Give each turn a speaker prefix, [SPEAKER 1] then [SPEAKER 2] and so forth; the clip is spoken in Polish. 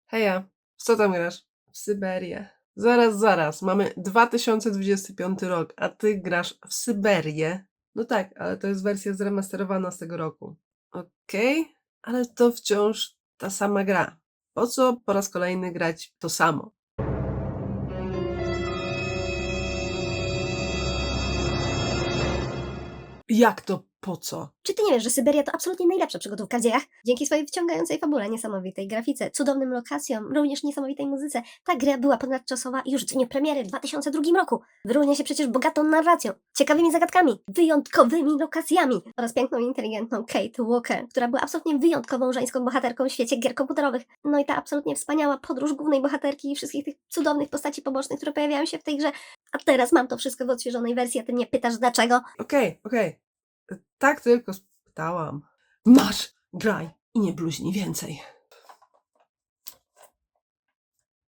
[SPEAKER 1] Heja, w co tam grasz? W Syberię. Zaraz, mamy 2025 rok, a ty grasz w Syberię? No tak, ale to jest wersja zremasterowana z tego roku. Okej, ale to wciąż ta sama gra. Po co po raz kolejny grać to samo? Jak to po co?
[SPEAKER 2] Czy ty nie wiesz, że Syberia to absolutnie najlepsza przygodówka w dziejach? Dzięki swojej wciągającej fabule, niesamowitej grafice, cudownym lokacjom, również niesamowitej muzyce, ta gra była ponadczasowa już w dniu premiery w 2002 roku. Wyróżnia się przecież bogatą narracją, ciekawymi zagadkami, wyjątkowymi lokacjami oraz piękną i inteligentną Kate Walker, która była absolutnie wyjątkową żeńską bohaterką w świecie gier komputerowych. No i ta absolutnie wspaniała podróż głównej bohaterki i wszystkich tych cudownych postaci pobocznych, które pojawiają się w tej grze. A teraz mam to wszystko w odświeżonej wersji, a ty mnie pytasz dlaczego?
[SPEAKER 1] Okej. Tak tylko spytałam. Masz, graj i nie bluźnij więcej.